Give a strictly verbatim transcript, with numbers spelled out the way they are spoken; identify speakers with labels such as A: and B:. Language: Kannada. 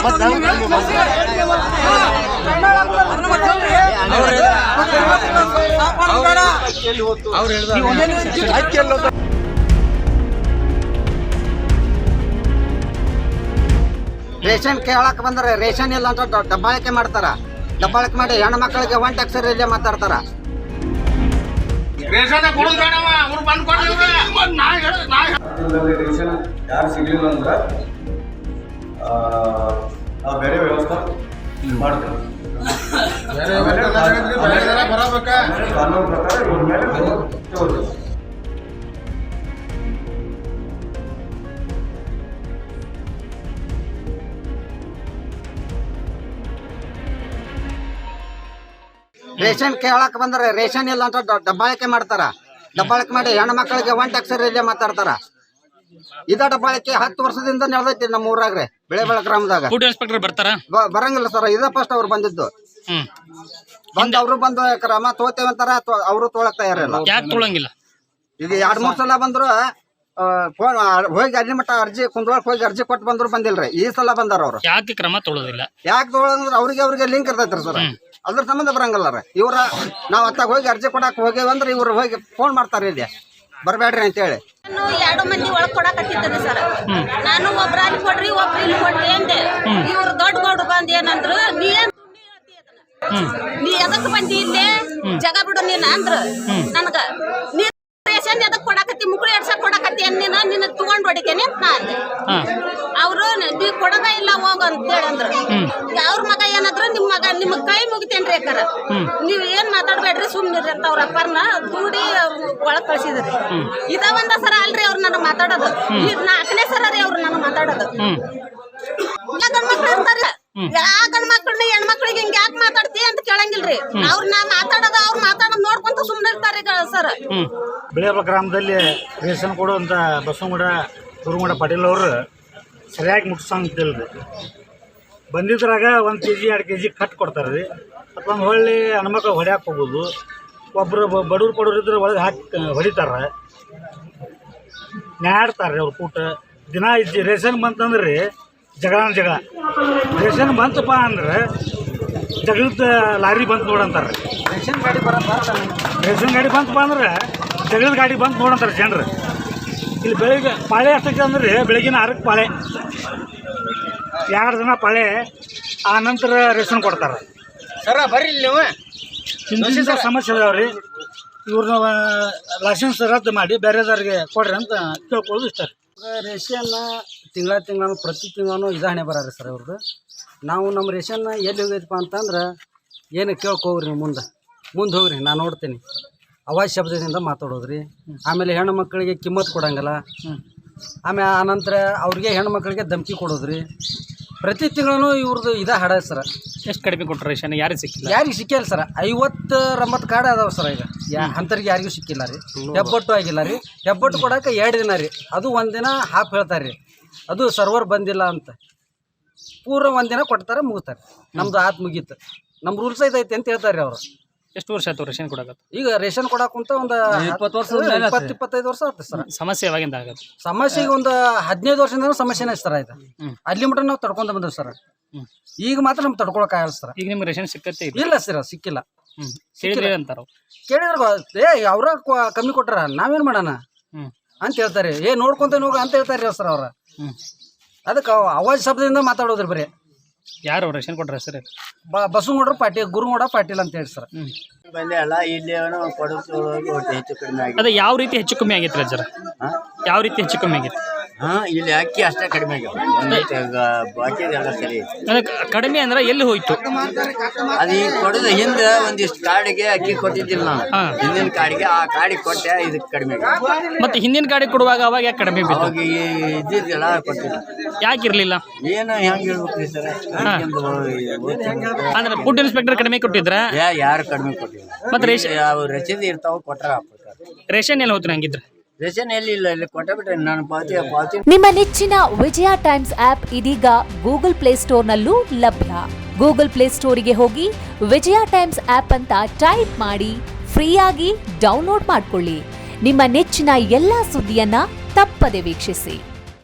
A: ರೇಷನ್ ಕೇಳಕ್ ಬಂದ್ರೆ ರೇಷನ್ ಇಲ್ಲ ಅಂತ ದಬ್ಬಾಳಿಕೆ ಮಾಡ್ತಾರ. ದಬ್ಬಾಳಿಕೆ ಮಾಡಿ ಹೆಣ್ಣು ಮಕ್ಕಳಿಗೆ ಒನ್ ಟ್ಯಾಕ್ಸ್ ಇಲ್ಲೇ ಮಾತಾಡ್ತಾರ.
B: ರೇಷನ್ ಯಾರು ಸಿಗ್ಲಿಲ್ಲ ಅಂದ್ರೆ ನಾವು ಬೇರೆ ವ್ಯವಸ್ಥೆ ಮಾಡ್ತೇವೆ. ಕಾನೂನು ಪ್ರಕಾರ ಇವ್ರ ಮೇಲೆ ತಗೋತೀವಿ.
A: ರೇಷನ್ ಕೇಳಕ್ ಬಂದ್ರೆ ರೇಷನ್ ಇಲ್ಲ ಅಂತ ದಬ್ಬಾಳಿಕೆ ಮಾಡ್ತಾರ. ದಬ್ಬಾಳಿಕೆ ಮಾಡಿ ಹೆಣ್ಣು ಮಕ್ಕಳಿಗೆ ಒನ್ ಟ್ಯಾಕ್ಸ್ ಇಲ್ಲೇ ಮಾತಾಡ್ತಾರ. ಇದ ದಬ್ಬಾಳಿಕೆ ಹತ್ತು ವರ್ಷದಿಂದ ನಡೆದೈತಿ ನಮ್ಮ ಊರಾಗ್ರೆ ಬೆಳೆಬೆಳ ಗ್ರಾಮದಾಗ.
C: ಫುಡ್ ಇನ್ಸ್ಪೆಕ್ಟರ್ ಬರ್ತಾರ
A: ಬರಂಗಿಲ್ಲ ಸರ್. ಇದ ಫಸ್ಟ್ ಅವ್ರು ಬಂದಿದ್ದು. ಬಂದ್ ಅವ್ರು ಬಂದು ಕ್ರಮ ತೋತೇವಂತಾರ, ಅವರು ತೊಳಕ್ ತಯಾರಿಲ್ಲ.
C: ಯಾಕೆ ತೊಳಂಗಿಲ್ಲ?
A: ಈಗ ಎರಡ್ ಮೂರ್ ಸಲ ಬಂದ್ರು ಫೋನ್ ಹೋಗಿ ಅಲ್ಲಿ ಮಟ್ಟ ಅರ್ಜಿ ಕುಂದ್ರೊಳಕ್ ಹೋಗಿ ಅರ್ಜಿ ಕೊಟ್ಟು ಬಂದ್ರು ಬಂದಿಲ್ರಿ. ಈ ಸಲ ಬಂದಾರ ಅವ್ರು.
C: ಯಾಕೆ ಕ್ರಮ ತೊಗೊಳೋದಿಲ್ಲ?
A: ಯಾಕೆ ತೊಗೊಳಂದ್ರ ಅವ್ರಿಗೆ ಅವ್ರಿಗೆ ಲಿಂಕ್ ಇರ್ತೈತ್ರಿ ಸರ್. ಅದ್ರ ಸಂಬಂಧ ಬರಂಗಲ್ಲ ಇವ್ರ. ನಾವ್ ಅತ್ತಾಗ ಹೋಗಿ ಅರ್ಜಿ ಕೊಡಾಕ್ ಹೋಗೇವಂದ್ರ ಇವ್ರು ಹೋಗಿ ಫೋನ್ ಮಾಡ್ತಾರ ಇಲ್ಲಿ ಬರ್ಬೇಡ್ರಿ ಅಂತ ಹೇಳಿ.
D: ಎರಡು ಮಂದಿ ಒಳಗ್ ಕೊಡಕತ್ತಿದ್ದಾರೆ ಸರ್. ನಾನು ಒಬ್ರ ಅಲ್ಲಿ ಕೊಡ್ರಿ ಒಬ್ರ ಇಲ್ಲಿ ಕೊಡ್ರಿ ಅಂದೆ. ಇವ್ರು ದೊಡ್ಡ ಗೌಡ್ರು ಬಂದ್ ಏನಂದ್ರು, ನೀ ಏನ್ ನೀ ಎದಕ್ ಬಂದಿ ಇಲ್ಲೇ ಜಗ ಬಿಡು ನೀನ್ ಅಂದ್ರ ನನ್ಗ. ನೀ ರೇಷನ್ ಎದಕ್ ಕೊಡಕತ್ತಿ, ಮುಕ್ಳಿ ಎಡ್ಸಕ್ ಕೊಡಕತ್ತಿ ಅನ್ನಿನ ನಿನ್ನ ತಗೊಂಡ್ ಹೊಡಿತೇನೆ ಅಂತ ನಾ ಅಂದೆ. ಅವ್ರು ನೀ ಕೊಡದ ಇಲ್ಲ ಹೋಗ ಅಂತ ಹೇಳಂದ್ರು. ಅವ್ರ ಮಗ ಏನಾದ್ರು ನಿಮ್ ಮಗ ನಿಮ್ ಕೈ ಮುಗಿತೇನ್ರಿ ಅಕ್ಕಾರ, ನೀವ್ ಏನ್ ಮಾತಾಡ್ಬೇಡ್ರಿ ಸುಮ್ನಿರಿ ಅಂತ ಅವ್ರ ಅಪ್ಪರ್ನ ದೂಡಿ ಒಳಗ್ ಕಳ್ಸಿದ್ರಿ. ಇದ ಒಂದ ಸರ ಅಲ್ರಿ ಅವ್ರು ನನಗ್ ಮಾತಾಡೋದು. ಈಗ ನಾಲ್ಕನೇ ಸರ ರೀ ಅವ್ರು ನನಗ್ ಮಾತಾಡೋದು. ಗಂಡ್ ಮಕ್ಳು ಇರ್ತಾರ, ಯಾ ಗಂಡ್ ಮಕ್ಳನ್ನ ಹೆಣ್ಮಕ್ಳಿಗೆ ಹಿಂಗ ಯಾಕೆ ಮಾತಾಡ್ತಿ ಅಂತ ಕೇಳಂಗಿಲ್ರಿ. ಅವ್ರನ್ನ ಮಾತಾಡೋದು ಅವ್ರು ಮಾತಾಡೋದ್ ನೋಡ್ಕೊಂತ ಸುಮ್ನೆ ಇರ್ತಾರಿ ಸರ್.
E: ಬೆಳೆಬೆಳ ಗ್ರಾಮದಲ್ಲಿ ರೇಷನ್ ಕೊಡುವಂತ ಬಸವಗೌಡ ಗುರುಗೌಡ ಪಾಟೀಲ್ ಅವರು ಸರಿಯಾಗಿ ಮುಟ್ಸಂಗಿಲ್ರಿ. ಬಂದಿದ್ರಾಗ ಒಂದು ಕೆ ಜಿ ಎರಡು ಕೆ ಜಿ ಕಟ್ ಕೊಡ್ತಾರೆ ರೀ. ಅಥವಾ ಒಂದು ಹೊಳ್ಳಿ ಹೆಣ್ಮಕ್ಳು ಹೊಡ್ಯಾಕೆ ಹೋಗೋದು. ಒಬ್ಬರು ಬಡವ್ರು ಪಡೋರು ಇದ್ರೆ ಒಳಗೆ ಹಾಕಿ ಹೊಡಿತಾರೆ, ನ್ಯಾಡ್ತಾರೆ ಅವ್ರು ಕೂಟ ದಿನ. ಇಜ್ಜಿ ರೇಷನ್ ಬಂತಂದ್ರೆ ರೀ ಜಗಳ ಜಗಳ. ರೇಷನ್ ಬಂತಪ್ಪ ಅಂದ್ರೆ ಜಗಳದ ಲಾರಿ ಬಂತು ನೋಡಂತಾರೆ.
A: ರೇಷನ್ ಗಾಡಿ ಬರತ್ತ
E: ರೇಷನ್ ಗಾಡಿ ಬಂತಪ್ಪ ಅಂದ್ರೆ ಜಗಳದ ಗಾಡಿ ಬಂತು ನೋಡಂತಾರೆ ಜನರು. ಇಲ್ಲಿ ಬೆಳಿಗ್ಗೆ ಪಾಳೆ ಎಷ್ಟಕ್ಕೆ ಅಂದ್ರೆ ಬೆಳಗಿನ ಆರಕ್ಕೆ ಪಾಳೆ, ಎರಡು ದಿನ ಪಾಳೆ, ಆ ನಂತರ ರೇಷನ್ ಕೊಡ್ತಾರೆ.
A: ಸರ ಬರ್ರಿ ನೀವು.
E: ಇಂಥ ಸಮಸ್ಯೆ ಇದಾವ್ರಿ. ಇವ್ರನ್ನ ಲೈಸೆನ್ಸ್ ರದ್ದು ಮಾಡಿ ಬೇರೆದವ್ರಿಗೆ ಕೊಡ್ರಿ ಅಂತ ಕೇಳ್ಕೊಳ್ಳೋದು ಇಷ್ಟ ರೀ.
A: ರೇಷನ್ ತಿಂಗಳ ತಿಂಗಳು ಪ್ರತಿ ತಿಂಗಳು ಇದಾಣೆ ಬರೋರಿ ಸರ್ ಅವ್ರದ್ದು. ನಾವು ನಮ್ಮ ರೇಷನ್ ಎಲ್ಲಿ ಹೋಗೈತಪ್ಪ ಅಂತಂದ್ರೆ ಏನು ಕೇಳ್ಕೋಗ್ರಿ ನೀವು ಮುಂದೆ ಮುಂದೆ ಹೋಗ್ರಿ, ನಾನು ನೋಡ್ತೀನಿ. ಅವಾಜ್ ಶಬ್ದದಿಂದ ಮಾತಾಡೋದ್ರಿ. ಆಮೇಲೆ ಹೆಣ್ಣು ಮಕ್ಕಳಿಗೆ ಕಿಮ್ಮತ್ತು ಕೊಡಂಗಿಲ್ಲ. ಆಮೇಲೆ ಆನಂತರ ಅವ್ರಿಗೆ ಹೆಣ್ಣು ಮಕ್ಕಳಿಗೆ ಧಮಕಿ ಕೊಡೋದ್ರಿ. ಪ್ರತಿ ತಿಂಗಳು ಇವ್ರದ್ದು ಇದ ಹಾಡ ಸರ.
C: ಎಷ್ಟು ಕಡಿಮೆ ಕೊಟ್ಟರೆ ರೇಷನ್ ಯಾರಿಗೆ ಸಿಕ್ಕಿಲ್ಲ?
A: ಯಾರಿಗೆ ಸಿಕ್ಕಿಲ್ಲ ಸರ್. ಐವತ್ತು ರಂಬತ್ತು ಕಾರ್ಡ್ ಅದಾವ ಸರ್. ಈಗ ಯಾ ಅಂಥವ್ರಿಗೆ ಯಾರಿಗೂ ಸಿಕ್ಕಿಲ್ಲ ರೀ. ಹೆಬ್ಬಟ್ಟು ಆಗಿಲ್ಲ ರೀ. ಹೆಬ್ಬಟ್ಟು ಕೊಡೋಕೆ ಎರಡು ದಿನ ರೀ. ಅದು ಒಂದಿನ ಹಾಫ್ ಹೇಳ್ತಾರೆ ರೀ. ಅದು ಸರ್ವರ್ ಬಂದಿಲ್ಲ ಅಂತ ಪೂರ ಒಂದಿನ ಕೊಡ್ತಾರೆ, ಮುಗಿತಾರೆ. ನಮ್ದು ಆತ್ ಮುಗೀತು, ನಮ್ಮ ರೂಲ್ಸ್ ಐತೈತಿ ಅಂತ ಹೇಳ್ತಾರೆ ರೀ ಅವರು.
C: ಎಷ್ಟು ವರ್ಷ ಆಯ್ತು ರೇಷನ್ ಕೊಡಕತ್ತ?
A: ಈಗ ರೇಷನ್ ಕೊಡಾಕುಂತ ಒಂದು ಇಪ್ಪತ್ತು ವರ್ಷ ಇಪ್ಪತ್ತು ಇಪ್ಪತ್ತೈದು ವರ್ಷ ಆಗ್ತದೆ ಸರ್.
C: ಸಮಸ್ಯೆ ಯಾವಾಗಿಂದ ಆಗತ್ತೆ?
A: ಸಮಸ್ಯೆ ಈಗ ಒಂದು ಹದಿನೈದು ವರ್ಷದಿಂದ ಸಮಸ್ಯೆನೇ ಸರ್ ಆಯ್ತು. ಅಲ್ಲಿ ಮಟ್ಟ ನಾವು ತಡ್ಕೊಂತ ಬಂದ್ವಿ ಸರ್. ಈಗ ಮಾತ್ರ ನಮ್ಗೆ ತಡ್ಕೊಳಕ್ ಆಗಲ್ಲ ಸರ್.
C: ಈಗ ನಿಮ್ಗೆ ರೇಷನ್ ಸಿಕ್ಕತ್ತೆ?
A: ಇಲ್ಲ ಸರ್, ಸಿಕ್ಕಿಲ್ಲ.
C: ಕೇಳಿದ್ರೆ ಅಂತಾರ
A: ಕೇಳಿದ್ರೆ ಏ ಅವ್ರ ಕಮ್ಮಿ ಕೊಟ್ಟಾರ, ನಾವೇನ್ ಮಾಡೋಣ ಅಂತ ಹೇಳ್ತಾರೆ. ಏ ನೋಡ್ಕೊಂತ ಹೋಗ ಅಂತ ಹೇಳ್ತಾರೆ ಸರ್ ಅವ್ರ. ಅದಕ್ಕೆ ಅವಾಜ್ ಶಬ್ದದಿಂದ ಮಾತಾಡೋದ್ರಿ ಬರೀ.
C: ಯಾರು ರೇಷನ್ ಕೊಟ್ರ ಸರ್?
A: ಬಸವಗೌಡ್ರ ಪಾಟೀಲ್, ಗುರುಗೌಡ ಪಾಟೀಲ್ ಅಂತ ಹೇಳಿ ಸರ್.
F: ಬಂದೆ ಅಲ್ಲ ಇಲ್ಲಿ ಹೆಚ್ಚು ಕಡಿಮೆ ಆಗಿದೆ.
C: ಅದೇ ಯಾವ ರೀತಿ ಹೆಚ್ಚು ಕಮ್ಮಿ ಆಗೈತೆ ಸರ್? ಯಾವ ರೀತಿ ಹೆಚ್ಚು ಕಮ್ಮಿ ಆಗೈತೆ?
F: ಹಾ, ಇಲ್ಲಿ ಅಕ್ಕಿ ಅಷ್ಟೇ ಕಡಿಮೆ ಆಗ್ಯಾವ, ಬಾಕಿ ಎಲ್ಲ ಸರಿ.
C: ಕಡಿಮೆ ಅಂದ್ರೆ ಎಲ್ಲಿ ಹೋಯ್ತು?
F: ಅದು ಈಗ ಕೊಡೋದು ಹಿಂದೆ ಒಂದಿಷ್ಟು ಕಾಡಿಗೆ ಅಕ್ಕಿ ಕೊಟ್ಟಿದ್ದಿಲ್ಲ ನಾನು. ಹಿಂದಿನ ಕಾಡಿಗೆ ಆ ಕಾಡಿಗೆ ಕೊಟ್ಟೆ, ಇದಕ್ಕೆ ಕಡಿಮೆ ಆಗ್ಯಾವ.
C: ಮತ್ತೆ ಹಿಂದಿನ ಕಾಡಿ ಕೊಡುವಾಗ ಅವಾಗ ಯಾಕೆ ಕಡಿಮೆ ಬಿತ್ತು?
F: ಅವಾಗ ಇದ್ದಿದ್ದಿಲ್ಲ, ಕೊಟ್ಟಿಲ್ಲ.
C: ಯಾಕೆ ಇರ್ಲಿಲ್ಲ?
F: ಏನು ಹೆಂಗ್ ಹೇಳ್ಬೇಕ್ರಿ ಸರ್?
C: ಅಂದ್ರೆ ಫುಡ್ ಇನ್ಸ್ಪೆಕ್ಟರ್ ಕಡಿಮೆ ಕೊಟ್ಟಿದ್ರ?
F: ಯಾರು ಕಡಿಮೆ ಕೊಟ್ಟಿಲ್ಲ.
C: ಮತ್ತೆ ರೇಷನ್
F: ರಸೀದಿ ಇರ್ತಾವ, ಕೊಟ್ರ.
C: ರೇಷನ್ ಎಲ್ಲ ಹೋಗ್ತಾರೆ ಹಂಗಿದ್ರೆ?
F: ರೇಷನ್ ಎಲ್ಲಿ ಇಲ್ಲ, ಇಲ್ಲಿ ಕೊಟ್ಟ ಬಿಟ್ರೆ ನಾನು ಪಾವತಿ ಪಾವತಿ.
G: ನಿಮ್ಮ ನೆಚ್ಚಿನ ವಿಜಯ ಟೈಮ್ಸ್ ಆಪ್ ಇದೀಗ ಗೂಗಲ್ ಪ್ಲೇಸ್ಟೋರ್ನಲ್ಲೂ ಲಭ್ಯ. ಗೂಗಲ್ ಪ್ಲೇಸ್ಟೋರಿಗೆ ಹೋಗಿ ವಿಜಯ ಟೈಮ್ಸ್ ಆಪ್ ಅಂತ ಟೈಪ್ ಮಾಡಿ ಫ್ರೀಯಾಗಿ ಡೌನ್ಲೋಡ್ ಮಾಡಿಕೊಳ್ಳಿ. ನಿಮ್ಮ ನೆಚ್ಚಿನ ಎಲ್ಲಾ ಸುದ್ದಿಯನ್ನ ತಪ್ಪದೆ ವೀಕ್ಷಿಸಿ.